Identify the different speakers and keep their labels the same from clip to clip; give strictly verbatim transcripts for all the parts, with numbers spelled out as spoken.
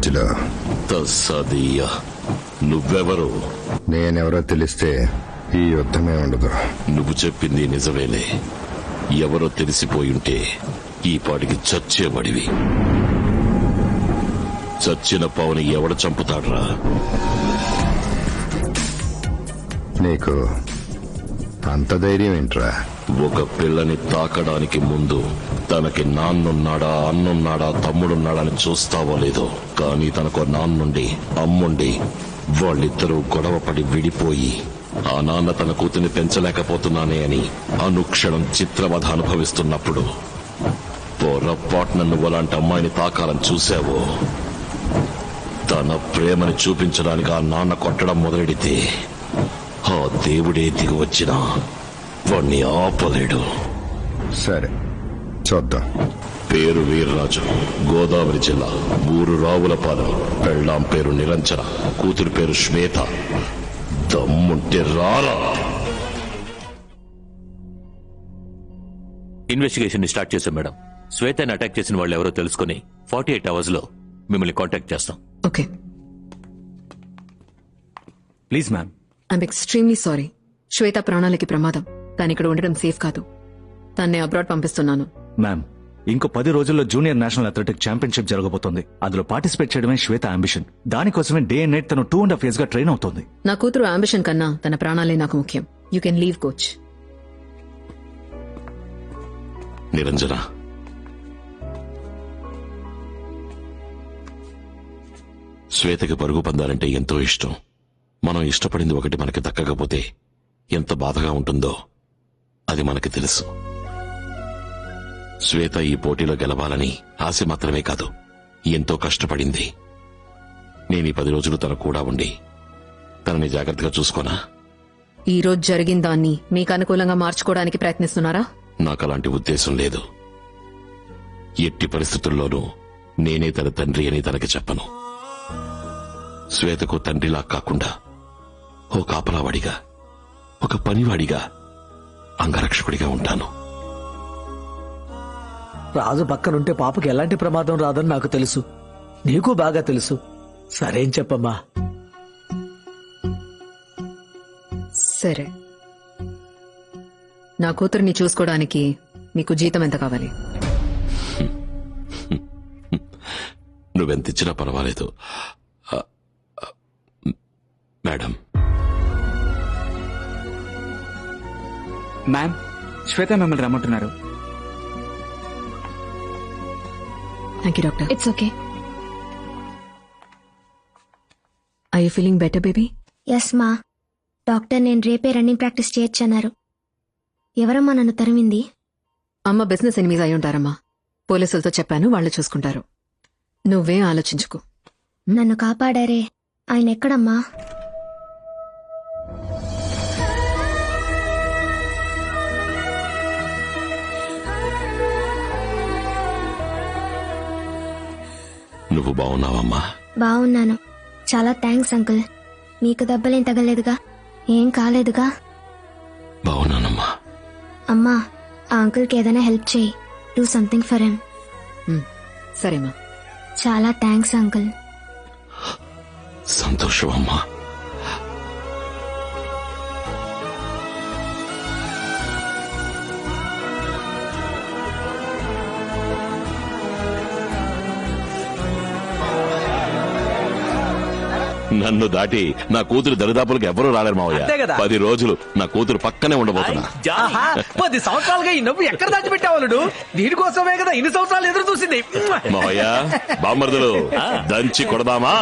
Speaker 1: మధ్యలో.
Speaker 2: తస్సదియ్య, నువ్వెవరు?
Speaker 1: నేనెవరో తెలిస్తే ఈ యుద్ధమే ఉండదు.
Speaker 2: నువ్వు చెప్పింది నిజమేలే. ఎవరో తెలిసిపోయుంటే ఈ పాటికి చచ్చేవాడివి. చచ్చిన పావుని ఎవడ చంపుతాడ్రా?
Speaker 1: నీకు అంత ధైర్యం ఏంట్రా?
Speaker 2: ఒక పిల్లని తాకడానికి ముందు తనకి నాన్నున్నాడా, అన్నున్నాడా, తమ్ముడున్నాడా అని చూస్తావో లేదో. కానీ తనకు నాన్నుండి అమ్ముండి వాళ్ళిద్దరూ గొడవపడి విడిపోయి ఆ నాన్న తన కూతుర్ని పెంచలేకపోతున్నానే అని అనుక్షణం చిత్రవధ అనుభవిస్తున్నప్పుడు పొరపాటున నువ్వు అలాంటి అమ్మాయిని తాకాలని చూశావో, తన ప్రేమని చూపించడానికి ఆ నాన్న కొట్టడం మొదలెడితే ఆ దేవుడే దిగి వచ్చినా వాణ్ణి ఆపలేడు.
Speaker 1: సరే చూద్దాం.
Speaker 2: పేరు వీర్రాజు, గోదావరి జిల్లా, ఊరు రావులపాలెం. పెళ్ళాం పేరు నిరంజన, కూతురు పేరు శ్వేత. దమ్ముంటే రారా.
Speaker 3: ఇన్వెస్టిగేషన్ ని స్టార్ట్ చేశాం మేడం. శ్వేతని అటాక్ చేసిన వాళ్ళు ఎవరో తెలుసుకుని ఫార్టీ ఎయిట్ అవర్స్ లో మిమ్మల్ని కాంటాక్ట్ చేస్తాం.
Speaker 4: Okay.
Speaker 5: Please ma'am.
Speaker 4: I'm extremely sorry. Shweta ప్రాణాలకి ప్రమాదం. తను ఇక్కడ ఉండడం సేఫ్ కాదు. తన్నే అబ్రాడ్ పంపిస్తున్నాను.
Speaker 5: మ్యామ్, ఇంకో పది రోజుల్లో జూనియర్ నేషనల్ అథ్లెటిక్ ఛాంపియన్షిప్ జరగబోతోంది. అందులో పార్టిసిపేట్ చేయడమే శ్వేత అంబిషన్. దానికోసమే డే అండ్ నైట్ తను టూ అండ్ హాఫ్ ఇయర్స్ గా ట్రైన్ అవుతోంది.
Speaker 4: నా కూతురు అంబిషన్ కన్నా తన ప్రాణాలే నాకు ముఖ్యం. You can leave coach.
Speaker 2: Niranjana, శ్వేతకి పరుగు పందాలంటే ఎంతో ఇష్టం. మనం ఇష్టపడింది ఒకటి మనకి దక్కకపోతే ఎంత బాధగా ఉంటుందో అది మనకి తెలుసు. శ్వేత ఈ పోటీలో గెలవాలని ఆశ మాత్రమే కాదు, ఎంతో కష్టపడింది. నేను ఈ పది రోజులు తన కూడా ఉండి తనని జాగ్రత్తగా చూసుకోనా?
Speaker 4: ఈ రోజు జరిగిన దాన్ని మీకు అనుకూలంగా మార్చుకోవడానికి ప్రయత్నిస్తున్నారా?
Speaker 2: నాకు అలాంటి ఉద్దేశం లేదు. ఎట్టి పరిస్థితుల్లోనూ నేనే తన తండ్రి అని తనకి చెప్పను. శ్వేతకు తండ్రిలా కాకుండా ఓ కాపలావాడిగా, ఒక పనివాడిగా, అంగరక్షకుడిగా ఉంటాను.
Speaker 6: రాజు పక్కనుంటే పాపకి ఎలాంటి ప్రమాదం రాదని నాకు తెలుసు. నీకు బాగా తెలుసు. సరేం చెప్పమ్మా.
Speaker 4: సరే, నా కూతుర్ని చూసుకోవడానికి మీకు జీతం ఎంత కావాలి?
Speaker 2: నువ్వెంతిచ్చినా పర్వాలేదు మేడం.
Speaker 7: మ్యామ్, శ్వేత మిమ్మల్ని రమ్మంటున్నారు.
Speaker 4: Thank you doctor.
Speaker 8: It's okay.
Speaker 4: I you feeling better baby?
Speaker 8: Yes ma. Doctor నేను రేపే రన్నింగ్ ప్రాక్టీస్ చేయొచ్చన్నారు. ఎవరమ్మా నన్ను తరిమింది?
Speaker 4: అమ్మ బిజినెస్ ఎనిమిది అయి ఉంటారమ్మా. పోలీసులతో చెప్పాను, వాళ్ళు చూసుకుంటారు. నువ్వేం ఆలోచించుకో.
Speaker 8: నన్ను కాపాడారే, ఆయన ఎక్కడమ్మా?
Speaker 2: నువ్వు బాగున్నావమ్మా?
Speaker 8: బాగున్నాను. చాలా థ్యాంక్స్ అంకుల్. మీకు దెబ్బలేం తగలేదుగా? ఏం కాలేదుగా?
Speaker 2: బాగున్నానమ్మా.
Speaker 8: అమ్మా, ఆ అంకుల్కి ఏదైనా హెల్ప్ చేయి. Do something for him.
Speaker 4: సరేమా.
Speaker 8: చాలా థ్యాంక్స్ అంకుల్.
Speaker 2: సంతోషం అమ్మా. నన్ను దాటి నా కూతురు దరిదాపులకు ఎవరూ రాలేరు మావయ్య. పది రోజులు నా కూతురు పక్కనే ఉండబోతున్నా.
Speaker 6: పది సంవత్సరాలుగా ఈ నవ్వు ఎక్కడ దాచిపెట్టావాళ్ళు? దీనికోసమే కదా ఇన్ని సంవత్సరాలు ఎదురు చూసింది.
Speaker 2: మావయ్య, బామ్మర్దులు దంచి కొడదామా?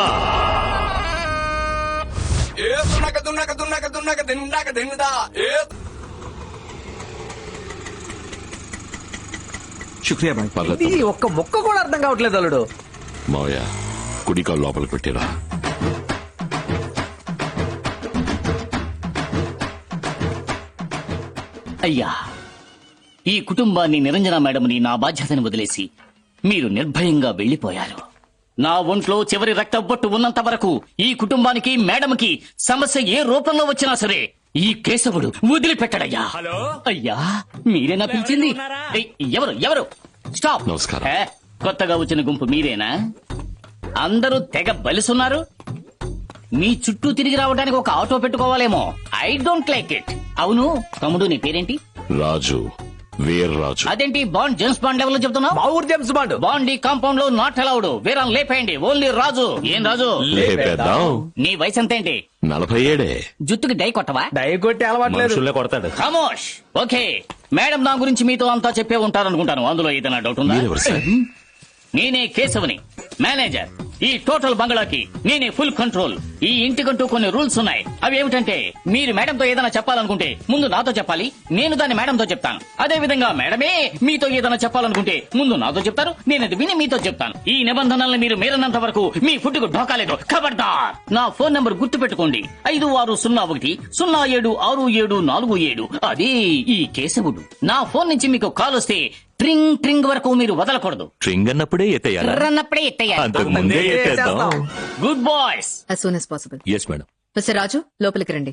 Speaker 7: శుక్రియా బాయ్.
Speaker 6: ఇది ఒక్క మొక్క కూడా అర్థం కావట్లేదు అల్లుడు.
Speaker 2: మావయ్య, కుడికాలు లోపలికి పెట్టిరా.
Speaker 9: అయ్యా, ఈ కుటుంబాన్ని నిరంజన మేడంని నా బాధ్యతని వదిలేసి మీరు నిర్భయంగా వెళ్లిపోయారు. నా ఒంట్లో చివరి రక్తబొట్టు ఉన్నంత వరకు ఈ కుటుంబానికి మేడంకి సమస్య ఏ రూపంలో వచ్చినా సరే ఈ కేశవుడు వదిలిపెట్టడయ్యా. అయ్యా, మీరేనా పిలిచింది? ఏయ్, ఎవరు ఎవరు? స్టాప్.
Speaker 2: నమస్కారం.
Speaker 9: ఏ, కొత్తగా వచ్చిన గుంపు మీరేనా? అందరూ తెగ బలిసున్నారు. మీ చుట్టూ తిరిగి రావడానికి ఒక ఆటో పెట్టుకోవాలేమో. I don't like it. అవును తమ్ముడు, నీ పేరేంటి?
Speaker 2: రాజు, వీర్ రాజు.
Speaker 9: అదేంటి బాండ్ జేమ్స్ బాండ్ లెవెల్ లో చెప్తున్నావు?
Speaker 6: మా ఊరు జేమ్స్ బాండ్.
Speaker 9: బాండ్ ఈ కాంపౌండ్ లో నాట్ అలౌడ్. వీరాన్ లేపేయండి. ఓన్లీ రాజు. ఏం రాజు?
Speaker 2: లేపేద్దాం.
Speaker 9: నీ వయసు ఎంతేంటి?
Speaker 2: నలభై ఏడే.
Speaker 9: జుత్తుకి డై కొట్టవా?
Speaker 6: డై కొట్టి అలవాట్లేదు.
Speaker 3: మనుషుల్నే కొడతాడు.
Speaker 9: ఖమోష్. ఓకే మేడం, నా గురించి మీతో అంతా చెప్పే ఉంటారనుకుంటాను. అందులో ఏదైనా డౌట్ ఉందా?
Speaker 2: మీరెవరు సార్?
Speaker 9: నేనే కేశవని, మేనేజర్. ఈ టోటల్ బంగ్లాకి నేనే ఫుల్ కంట్రోల్. ఈ ఇంటికంటూ కొన్ని రూల్స్ ఉన్నాయి. అవి ఏమిటంటే, మీరు మేడంతో ఏదైనా చెప్పాలనుకుంటే ముందు నాతో చెప్పాలి, నేను దాన్ని మేడంతో చెప్తాను. అదే విధంగా మేడమే మీతో ఏదైనా చెప్పాలనుకుంటే ముందు నాతో చెప్తారు, నేను అది విని మీతో చెప్తాను. ఈ నిబంధనల్ని మీరు మీరన్నంత వరకు మీ ఫుడ్ కు ఢోకాలేదు. ఖబర్దార్. నా ఫోన్ నంబర్ గుర్తు పెట్టుకోండి. ఐదు ఆరు సున్నా ఒకటి సున్నా ఏడు ఆరు ఏడు నాలుగు ఏడు. అదే ఈ కేశవుడు. నా ఫోన్ నుంచి మీకు కాల్ వస్తే ట్రింగ్ ట్రింగ్ వరకు మీరు వదలకూడదు.
Speaker 3: ట్రింగ్ అన్నప్పుడే ఎత్తేయాలా?
Speaker 9: రన్నప్పుడే ఎత్తేయాలి.
Speaker 3: అంతకు ముందే ఎత్తేద్దాం.
Speaker 9: Good boys.
Speaker 4: As soon as possible.
Speaker 3: Yes madam.
Speaker 4: Mister Raju, లోపలికి రండి.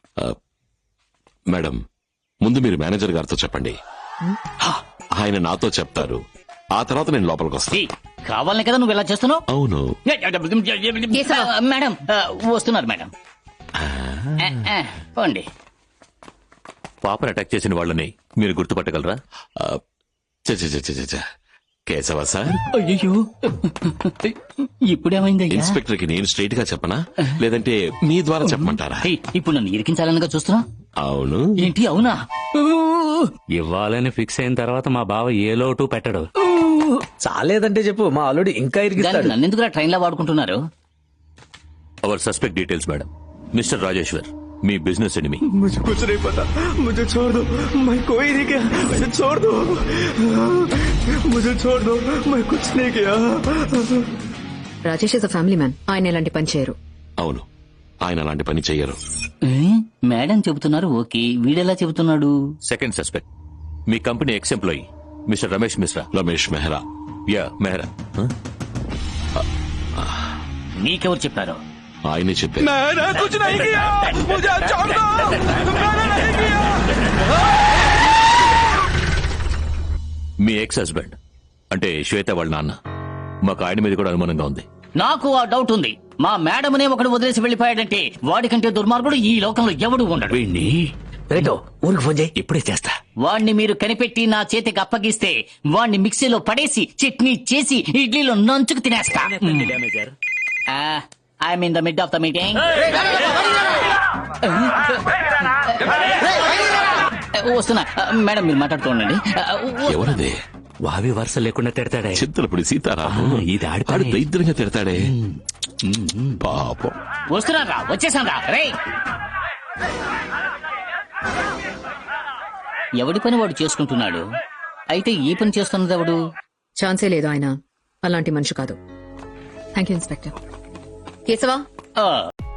Speaker 2: మేడం, ముందు మీరు మేనేజర్ గారితో చెప్పండి. ఆయన నాతో చెప్తారు. ఆ తర్వాత నేను లోపలికి వస్తాను.
Speaker 9: ఈ, కావాలనే కదా నువ్వు ఇలా చేస్తున్నావు?
Speaker 2: అవును.
Speaker 4: కేశవ.
Speaker 9: మేడం ఆ, వస్తున్నారు మేడం. ఆ, ఆ, పోండి.
Speaker 3: పాపను అటాక్ చేసిన వాళ్ళని మీరు గుర్తుపట్టగలరా?
Speaker 2: ఆ, చ చ చ చ చ. కేశవ సార్,
Speaker 9: అయ్యో ఇప్పుడేమైంది?
Speaker 2: ఇన్స్పెక్టర్ కి నేను స్ట్రైట్ గా చెప్పనా, లేదంటే మీ ద్వారా చెప్పమంటారా?
Speaker 9: ఇప్పుడు నన్ను ఇరికించాలనగా చూస్తున్నా?
Speaker 2: అవును.
Speaker 9: ఏంటి అవునా?
Speaker 10: ఇవ్వాలని ఫిక్స్ అయిన తర్వాత మా బావ ఏ లోటు పెట్టడు.
Speaker 6: చాలేదంటే చెప్పు, మా అల్లుడు ఇంకా ఇరిగిస్తాడు.
Speaker 9: నన్ను ఎందుకు ట్రైన్ లో వాడుకుంటున్నారు?
Speaker 3: Our suspect details madam. Mister Rajeshwar, మీ బిజినెస్ ఎనిమి.
Speaker 6: मुझे कुछ नहीं पता, मुझे छोड़ दो, मैं कोई नहीं किया, मुझे छोड़ दो, मुझे छोड़ दो, मैं कुछ नहीं किया.
Speaker 4: Rajesh is a family man. ఆయన ఇలాంటి పని చేయరు.
Speaker 2: అవును, ఆయన అలాంటి పని చెయ్యరు.
Speaker 9: ఏ? మేడం చెబుతున్నారు ఓకే, వీడెలా చెబుతున్నాడు?
Speaker 3: సెకండ్ సస్పెక్ట్ మీ company ex employee mister Ramesh Mishra.
Speaker 2: Ramesh Mehra.
Speaker 3: Yeah Mehra.
Speaker 9: నీకెవరు చెప్పారు?
Speaker 2: ఆయనే చెప్పారు.
Speaker 6: मैंने कुछ नहीं किया, मुझे छोड़ दो, मैंने नहीं किया.
Speaker 3: మీ ఎక్స్ హస్బెండ్ అంటే శ్వేత వాళ్ళ నాన్న. మాకు ఆయన మీద కూడా అనుమానంగా ఉంది.
Speaker 9: నాకు ఆ డౌట్ ఉంది. మా మేడమనే ఒకడు వదిలేసి వెళ్లిపోయాడంటే వాడికంటే దుర్మార్గుడు ఈ లోకంలో ఎవడు ఉండడు.
Speaker 3: వీణ్ణి
Speaker 6: రేటో ఊరికి ఫోన్ చేయి.
Speaker 3: ఇప్పుడే చేస్తా.
Speaker 9: వాణ్ణి మీరు కనిపెట్టి నా చేతికి అప్పగిస్తే వాణ్ణి మిక్సీలో పడేసి చట్నీ చేసి ఇడ్లీలో నంచుకు తినేస్తా. I'm in the mid of the meeting. వస్తున్నా మేడం, మీరు మాట్లాడుతూ ఉండండి.
Speaker 2: ఎవరదే?
Speaker 10: వావి వరుస లేకుండా తిడతాడే.
Speaker 2: చింతలపూడి సీతారాము.
Speaker 10: ఆ, ఇది ఆడి పని.
Speaker 2: ఆడు దరిద్రంగా తిడతాడే. పాపం.
Speaker 9: వస్తున్నారా? వచ్చేసాను రా. రే, ఎవడి పని వాడు చేసుకుంటున్నాడు. అయితే ఈ పని చేస్తున్నది ఎవడు?
Speaker 4: ఛాన్సే లేదు. ఆయన అలాంటి మనిషి కాదు. Thank you inspector. కేశవ,
Speaker 9: ఆ